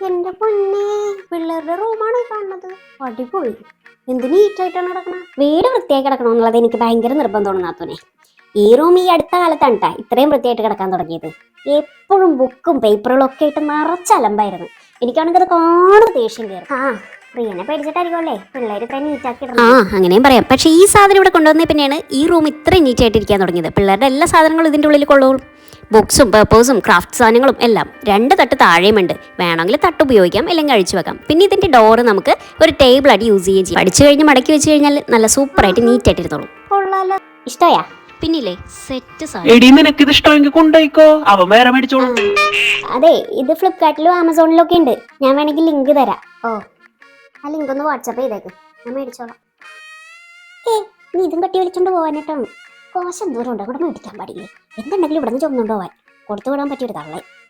എന്റെ പൊന്നെ, പിള്ളേരുടെ റൂമാണ് കാണുന്നത്. അടിപൊളി, എന്ത് നീറ്റായിട്ടാണ് കിടക്കണം. വീട് വൃത്തിയായി കിടക്കണം എന്നുള്ളത് എനിക്ക് ഭയങ്കര നിർബന്ധമാണ് നാത്തൂനെ. ഈ റൂം ഈ അടുത്ത കാലത്താണ് ട്ടാ ഇത്രയും വൃത്തിയായിട്ട് കിടക്കാൻ തുടങ്ങിയത്. എപ്പോഴും ബുക്കും പേപ്പറുകളും ഒക്കെ ആയിട്ട് നിറച്ച അലമ്പായിരുന്നു. എനിക്കാണെങ്കിൽ അത് കാണുന്ന ദേഷ്യം കയറും. പ്രിയനെ പേടിച്ചിട്ടായിരിക്കുമല്ലേ പിള്ളേർ ഇത്രയും നീറ്റാക്കി ഇടണം. അങ്ങനെയും പറയാം. പക്ഷേ ഈ സാധനം ഇവിടെ കൊണ്ടുവന്നേ പിന്നെയാണ് ഈ റൂം ഇത്രയും നീറ്റായിട്ടിരിക്കാൻ തുടങ്ങിയത്. പിള്ളേരുടെ എല്ലാ സാധനങ്ങളും ഇതിൻ്റെ ഉള്ളിൽ കൊള്ളും. ബുക്സും പേപ്പേഴ്സും ക്രാഫ്റ്റ് സാധനങ്ങളും എല്ലാം 2 തട്ട് താഴെയുമുണ്ട്. വേണമെങ്കിൽ തട്ട് ഉപയോഗിക്കാം, അല്ലെങ്കിൽ അഴിച്ചു വെക്കാം. പിന്നെ ഇതിൻ്റെ ഡോറ് നമുക്ക് ഒരു ടേബിൾ ആയിട്ട് യൂസ് ചെയ്യുകയും ചെയ്യും. പഠിച്ചു കഴിഞ്ഞ് മടക്കി വെച്ച് കഴിഞ്ഞാൽ നല്ല സൂപ്പറായിട്ട് നീറ്റായിട്ട് ഇരുന്നോളും. കൊള്ളാലോ, ഇഷ്ടമായാ? പിന്നില്ലേ സെറ്റ് അതെ, ഇത് ഫ്ലിപ്കാർട്ടിലും ആമസോണിലും ഒക്കെ ഉണ്ട്. ഞാൻ വേണമെങ്കിൽ ലിങ്ക് തരാം. ആ ലിങ്ക് ഒന്ന് വാട്സാപ്പ് ചെയ്തേക്ക്, ഞാൻ മേടിച്ചോളാം. നീ ഇതും കട്ടി വലിച്ചോണ്ട് പോകാനായിട്ടാണ്. കോശം ദൂരം ഉണ്ട്, അവിടെ മേടിക്കാൻ പാടില്ലേ? എന്തുണ്ടെങ്കിലും ഇവിടെ നിന്ന് ചുമന്നുകൊണ്ട് പോവാൻ കൊടുത്തു വിടാൻ പറ്റിയൊരു തള്ളേ.